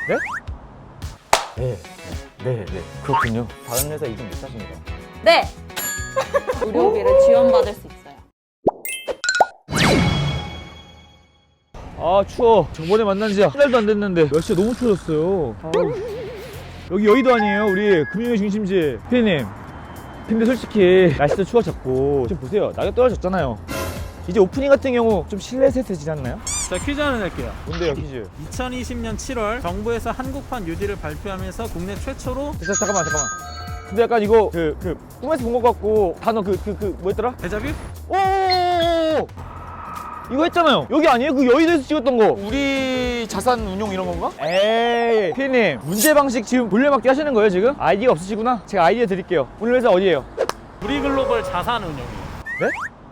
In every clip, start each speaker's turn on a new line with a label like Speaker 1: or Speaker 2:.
Speaker 1: 네. 네. 그렇군요. 다른 회사 이직 못 하십니다.
Speaker 2: 네! 의료비를 지원받을 수 있어요.
Speaker 1: 아 추워. 저번에 만난 지 한 달도 안 됐는데 날씨가 너무 추워졌어요. 여기 여의도 아니에요? 우리 금융의 중심지. 피디님, 근데 솔직히 날씨도 추워졌고 지금 보세요, 낙엽 떨어졌잖아요. 이제 오프닝 같은 경우 좀 실내 세트지지 않나요?
Speaker 3: 자, 퀴즈 하나 낼게요.
Speaker 1: 뭔데요 퀴즈?
Speaker 3: 2020년 7월 정부에서 한국판 뉴딜을 발표하면서 국내 최초로
Speaker 1: 잠깐만. 근데 약간 이거 꿈에서 본 것 같고 단어 뭐였더라?
Speaker 3: 데자뷰?
Speaker 1: 오 이거 했잖아요. 여기 아니에요? 그 여의도에서 찍었던 거. 우리 자산 운용 이런 건가? 에이 피디님, 문제 방식 지금 돌려막기 하시는 거예요 지금? 아이디가 없으시구나. 제가 아이디어 드릴게요. 오늘 회사 어디예요?
Speaker 3: 우리 글로벌 자산 운용이에요.
Speaker 1: 네?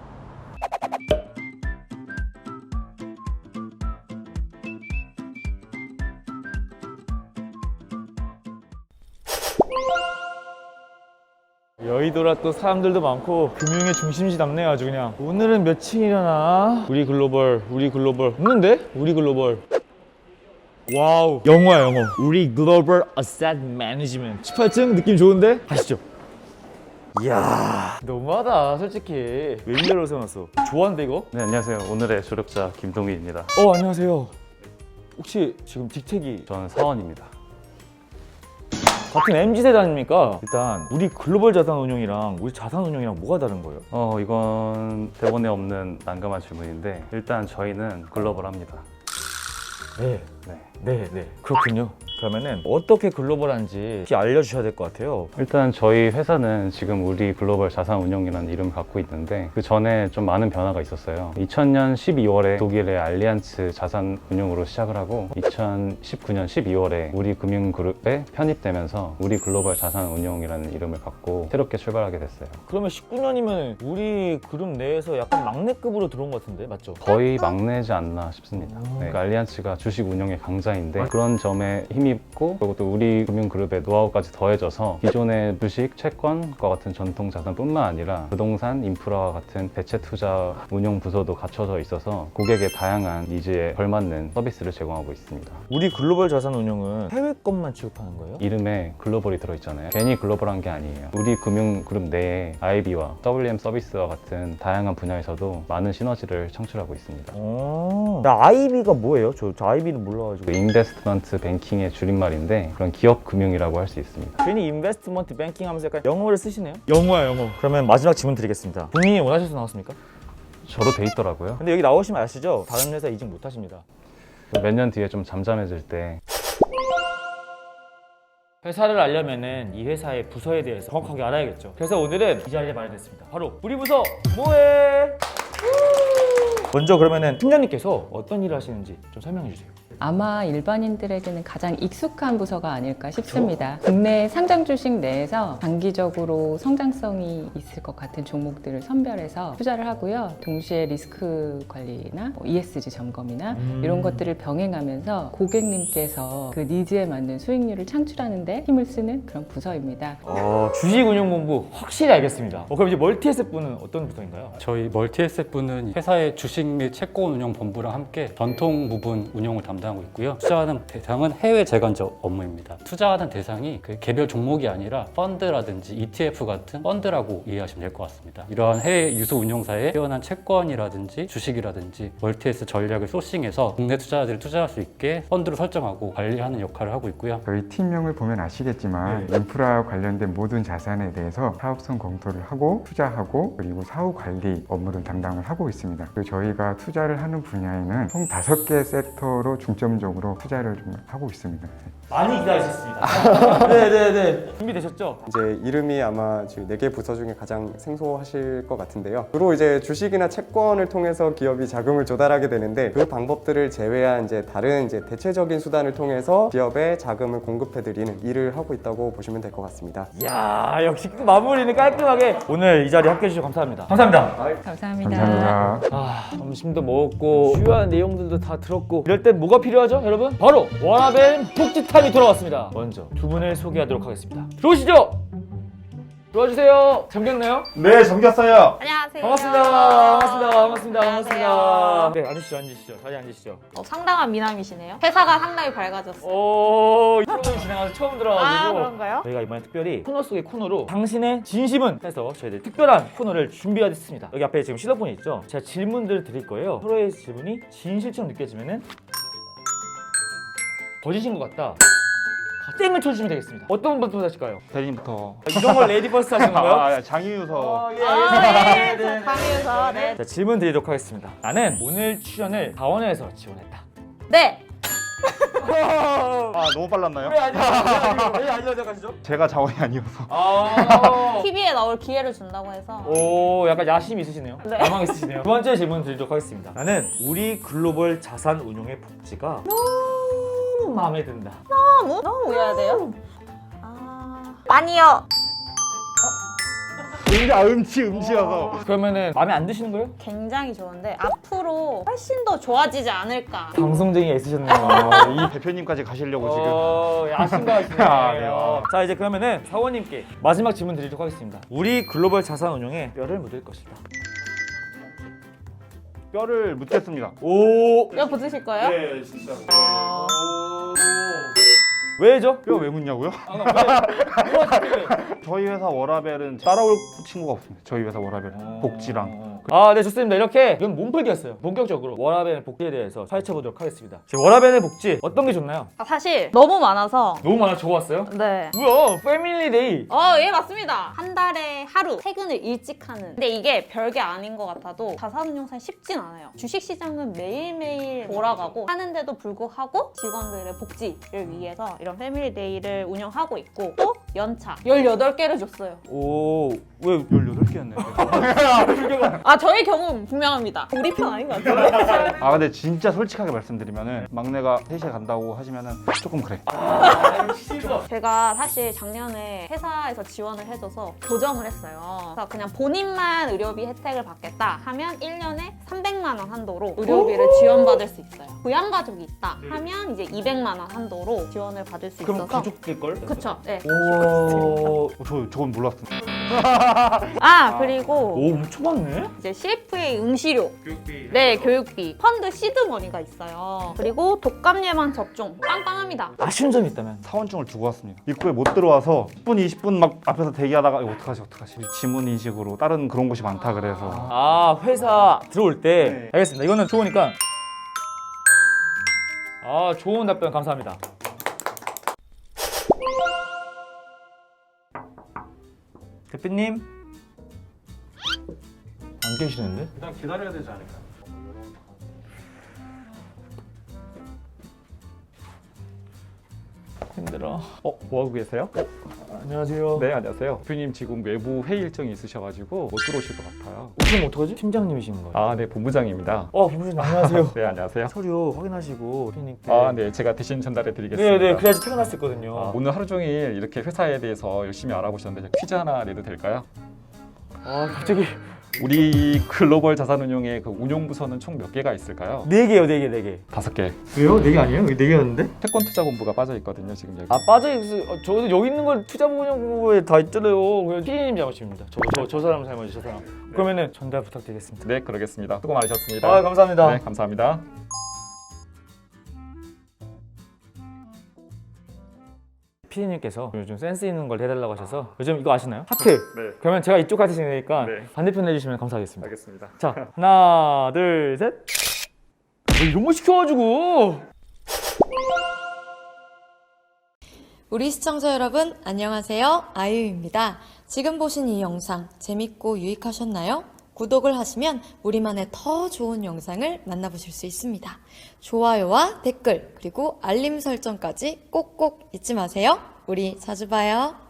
Speaker 1: 여의도라 또 사람들도 많고 금융의 중심지답네요 아주 그냥. 오늘은 몇 층이려나? 우리 글로벌 없는데? 우리 글로벌. 와우, 영어야 영어. 우리 글로벌 어셋 매니지먼트 18층 느낌 좋은데? 가시죠. 이야 너무하다 솔직히. 웬일로 세워놨어? 좋아하는데 이거?
Speaker 4: 네, 안녕하세요. 오늘의 조력자 김동희입니다.
Speaker 1: 안녕하세요. 혹시 지금 딕택이
Speaker 4: 저는 사원입니다.
Speaker 1: 같은 MZ세대 아닙니까? 일단 우리 글로벌 자산운용이랑 우리 자산운용이랑 뭐가 다른 거예요?
Speaker 4: 이건 대본에 없는 난감한 질문인데 일단 저희는 글로벌합니다.
Speaker 1: 네.
Speaker 4: 네.
Speaker 1: 그렇군요. 그러면은 어떻게 글로벌한지 알려주셔야 될 것 같아요.
Speaker 4: 일단 저희 회사는 지금 우리 글로벌 자산운용이라는 이름을 갖고 있는데 그 전에 좀 많은 변화가 있었어요. 2000년 12월에 독일의 알리안츠 자산운용으로 시작을 하고 2019년 12월에 우리 금융그룹에 편입되면서 우리 글로벌 자산운용이라는 이름을 갖고 새롭게 출발하게 됐어요.
Speaker 1: 그러면 19년이면 우리 그룹 내에서 약간 막내급으로 들어온 것 같은데 맞죠?
Speaker 4: 거의 막내지 않나 싶습니다. 네, 알리안츠가 주식 운용의 강자인데 그런 점에 힘이 있고 그리고 또 우리 금융그룹의 노하우까지 더해져서 기존의 주식, 채권과 같은 전통 자산뿐만 아니라 부동산, 인프라와 같은 대체 투자 운용 부서도 갖춰져 있어서 고객의 다양한 니즈에 걸맞는 서비스를 제공하고 있습니다.
Speaker 1: 우리 글로벌 자산운용은 해외 것만 취급하는 거예요?
Speaker 4: 이름에 글로벌이 들어있잖아요. 괜히 글로벌한 게 아니에요. 우리 금융그룹 내에 IB와 WM 서비스와 같은 다양한 분야에서도 많은 시너지를 창출하고 있습니다.
Speaker 1: 나 IB가 뭐예요? 저 IB는 몰라가지고.
Speaker 4: 인베스트먼트 뱅킹의 줄임말인데 그런 기업 금융이라고 할 수 있습니다.
Speaker 1: 괜히 인베스트먼트 뱅킹 하면서 약간 영어를 쓰시네요? 영어야 영어. 그러면 마지막 질문 드리겠습니다. 본인이 원하셔서 나왔습니까?
Speaker 4: 저로 돼 있더라고요.
Speaker 1: 근데 여기 나오시면 아시죠? 다른 회사 이직 못 하십니다.
Speaker 4: 몇 년 뒤에 좀 잠잠해질 때
Speaker 1: 회사를 알려면은 이 회사의 부서에 대해서 정확하게 알아야겠죠. 그래서 오늘은 이 자리에 마련했습니다. 바로 우리 부서 뭐해? 먼저 그러면은 팀장님께서 어떤 일을 하시는지 좀 설명해 주세요.
Speaker 5: 아마 일반인들에게는 가장 익숙한 부서가 아닐까 싶습니다. 국내 상장 주식 내에서 장기적으로 성장성이 있을 것 같은 종목들을 선별해서 투자를 하고요. 동시에 리스크 관리나 ESG 점검이나 이런 것들을 병행하면서 고객님께서 그 니즈에 맞는 수익률을 창출하는 데 힘을 쓰는 그런 부서입니다.
Speaker 1: 주식운용본부 확실히 알겠습니다. 그럼 이제 멀티에셋부는 어떤 부서인가요?
Speaker 6: 저희 멀티에셋부는 회사의 주식 및 채권 운용 본부랑 함께 전통 부분 운용을 담당하고 있고요. 투자하는 대상은 해외 재간적 업무입니다. 투자하는 대상이 그 개별 종목이 아니라 펀드라든지 ETF 같은 펀드라고 이해하시면 될 것 같습니다. 이러한 해외 유수 운용사의 뛰어난 채권이라든지 주식이라든지 멀티에셋 전략을 소싱해서 국내 투자자들이 투자할 수 있게 펀드를 설정하고 관리하는 역할을 하고 있고요.
Speaker 7: 저희 팀명을 보면 아시겠지만 인프라 관련된 모든 자산에 대해서 사업성 검토를 하고 투자하고 그리고 사후 관리 업무를 담당을 하고 있습니다. 그리고 저희가 투자를 하는 분야에는 총 5개 섹터로 중점적으로 투자를 좀 하고 있습니다.
Speaker 1: 많이 기다리셨습니다. 네네네. 준비되셨죠?
Speaker 8: 이제 이름이 아마 지금 4개 부서 중에 가장 생소하실 것 같은데요. 주로 이제 주식이나 채권을 통해서 기업이 자금을 조달하게 되는데 그 방법들을 제외한 이제 다른 이제 대체적인 수단을 통해서 기업에 자금을 공급해드리는 일을 하고 있다고 보시면 될 것 같습니다.
Speaker 1: 이야 역시 마무리는 깔끔하게. 오늘 이 자리 함께해 주셔서 감사합니다. 감사합니다.
Speaker 5: 감사합니다.
Speaker 7: 감사합니다.
Speaker 1: 점심도 먹었고 중요한 내용들도 다 들었고 이럴 땐 뭐가 필요하죠 여러분? 바로 워라밸 복지타임이 돌아왔습니다. 먼저 두 분을 소개하도록 하겠습니다. 들어오시죠. 들어와주세요. 잠겼나요?
Speaker 9: 네, 잠겼어요.
Speaker 2: 안녕하세요.
Speaker 1: 반갑습니다. 네, 앉으시죠. 자리 앉으시죠.
Speaker 2: 상당한 미남이시네요. 회사가 상당히 밝아졌어요.
Speaker 1: 오, 이 프로그램 지나가서 처음 들어와가지고.
Speaker 2: 그런가요?
Speaker 1: 저희가 이번에 특별히 코너 속의 코너로 당신의 진심은 해서 저희들 특별한 코너를 준비하겠습니다. 여기 앞에 지금 실로폰이 있죠? 제가 질문들을 드릴 거예요. 서로의 질문이 진실처럼 느껴지면은 거짓인 것 같다. 땡을 쳐주시면 되겠습니다. 어떤 분부터 하실까요?
Speaker 9: 대리님부터.
Speaker 1: 이런 걸 레이디 퍼스트 하시는 건가요?
Speaker 9: 장유서.
Speaker 2: 네. 강의에서 네.
Speaker 1: 자, 질문 드리도록 하겠습니다. 나는 오늘 출연을 다원에서 지원했다.
Speaker 2: 네.
Speaker 9: 아, 너무 빨랐나요?
Speaker 1: 왜 아니라고 하시죠?
Speaker 9: 제가 자원이 아니어서.
Speaker 2: TV에 나올 기회를 준다고 해서
Speaker 1: 오, 약간 야심이 있으시네요.
Speaker 2: 네.
Speaker 1: 야망 있으시네요. 두 번째 질문 드리도록 하겠습니다. 나는 우리 글로벌 자산 운용의 복지가 너무 마음에 든다.
Speaker 2: 너무 외워야 돼요. 아니요.
Speaker 9: 음치여서.
Speaker 1: 그러면은 마음에 안 드시는 거예요?
Speaker 2: 굉장히 좋은데 앞으로 훨씬 더 좋아지지 않을까.
Speaker 1: 방송쟁이가 있으셨네요.
Speaker 9: 이 대표님까지 가시려고 지금.
Speaker 1: 야심가 하시네요.
Speaker 9: 아, 네요.
Speaker 1: 자, 이제 그러면은 사원님께 마지막 질문 드리도록 하겠습니다. 우리 글로벌 자산 운용에 뼈를 묻을 것이다.
Speaker 9: 뼈를 묻겠습니다.
Speaker 1: 오.
Speaker 2: 이거 붙으실 거예요?
Speaker 9: 네, 진짜.
Speaker 1: 왜죠?
Speaker 9: 뼈 왜 묻냐고요?
Speaker 1: 왜?
Speaker 9: 저희 회사 워라벨은 따라올 친구가 없습니다. 저희 회사 워라벨 복지랑.
Speaker 1: 아, 네, 좋습니다. 이렇게 이건 몸풀기였어요. 본격적으로 워라벨의 복지에 대해서 파헤쳐 보도록 하겠습니다. 워라벨의 복지 어떤 게 좋나요?
Speaker 2: 사실 너무 많아서.
Speaker 1: 너무 많아 적어왔어요?
Speaker 2: 네.
Speaker 1: 뭐야? 패밀리데이.
Speaker 2: 예, 맞습니다. 한 달에 하루 퇴근을 일찍 하는. 근데 이게 별게 아닌 것 같아도 자산운용사 쉽진 않아요. 주식시장은 매일매일 돌아가고 하는데도 불구하고 직원들의 복지를 위해서 이런 패밀리데이를 운영하고 있고 또 연차 18개를 줬어요.
Speaker 1: 오, 왜
Speaker 9: 18개였네.
Speaker 2: 저희 경우 분명합니다. 우리 편 아닌 것 같아요.
Speaker 9: 아, 근데 진짜 솔직하게 말씀드리면은 막내가 3시에 간다고 하시면은 조금 그래.
Speaker 2: 제가 사실 작년에 회사에서 지원을 해줘서 교정을 했어요. 그래서 그냥 본인만 의료비 혜택을 받겠다 하면 1년에 300만 원 한도로 의료비를 지원받을 수 있어요. 부양가족이 있다 하면 이제 200만 원 한도로 지원을 받을 수
Speaker 1: 그럼
Speaker 2: 있어서.
Speaker 1: 가족일 걸?
Speaker 2: 그쵸. 네.
Speaker 1: 오,
Speaker 9: 저건 몰랐습니다.
Speaker 2: 그리고
Speaker 1: 오, 엄청 많네.
Speaker 2: 이제 CFA 응시료, 네, 교육비, 펀드 시드머니가 있어요. 그리고 독감 예방 접종 빵빵합니다.
Speaker 1: 아쉬운 점이 있다면?
Speaker 9: 사원증을 두고 왔습니다. 입구에 못 들어와서 10분, 20분 막 앞에서 대기하다가 이거 어떡하지? 지문 인식으로 다른 그런 곳이 많다 그래서.
Speaker 1: 회사 들어올 때.
Speaker 9: 네.
Speaker 1: 알겠습니다. 이거는 좋으니까. 좋은 답변 감사합니다. 대표님? 안 계시는데?
Speaker 3: 일단 기다려야 되지 않을까?
Speaker 1: 힘들어.
Speaker 10: 뭐 하고 계세요?
Speaker 1: 안녕하세요.
Speaker 10: 네, 안녕하세요. 대표님 지금 외부 회의 일정이 있으셔가지고 못 들어오실 것 같아요.
Speaker 1: 그럼 어떡하지? 팀장님이신 거예요?
Speaker 10: 아, 네, 본부장입니다.
Speaker 1: 본부장님 안녕하세요.
Speaker 10: 네, 안녕하세요.
Speaker 1: 서류 확인하시고 대표님께.
Speaker 10: 아, 네, 제가 대신 전달해 드리겠습니다.
Speaker 1: 네, 그래야지 퇴근할 수 있거든요.
Speaker 10: 오늘 하루 종일 이렇게 회사에 대해서 열심히 알아보셨는데 퀴즈 하나 내도 될까요?
Speaker 1: 갑자기.
Speaker 10: 우리 글로벌 자산운용의 그 운용부서는 총 몇 개가 있을까요?
Speaker 1: 4개요, 4개.
Speaker 10: 5개.
Speaker 1: 왜요? 4개 아니에요? 4개였는데?
Speaker 10: 채권투자본부가 빠져 있거든요, 지금 여기.
Speaker 1: 빠져있어요. 저도 여기 있는 건 투자보험에 다 있잖아요. 그냥 피디님 잘못입니다. 저 사람 잘못이죠, 저 사람. 그러면은 전달 부탁드리겠습니다.
Speaker 10: 네, 그러겠습니다. 수고 많으셨습니다.
Speaker 1: 감사합니다.
Speaker 10: 네, 감사합니다.
Speaker 1: 피디님께서 요즘 센스 있는 걸 해달라고 하셔서 요즘 이거 아시나요? 하트.
Speaker 10: 네.
Speaker 1: 그러면 제가 이쪽 하트 생기니까
Speaker 10: 네.
Speaker 1: 반대편 해주시면 감사하겠습니다.
Speaker 10: 알겠습니다.
Speaker 1: 자, 하나, 둘, 셋. 이런 거 시켜가지고.
Speaker 11: 우리 시청자 여러분 안녕하세요. 아이유입니다. 지금 보신 이 영상 재밌고 유익하셨나요? 구독을 하시면 우리만의 더 좋은 영상을 만나보실 수 있습니다. 좋아요와 댓글 그리고 알림 설정까지 꼭꼭 잊지 마세요. 우리 자주 봐요.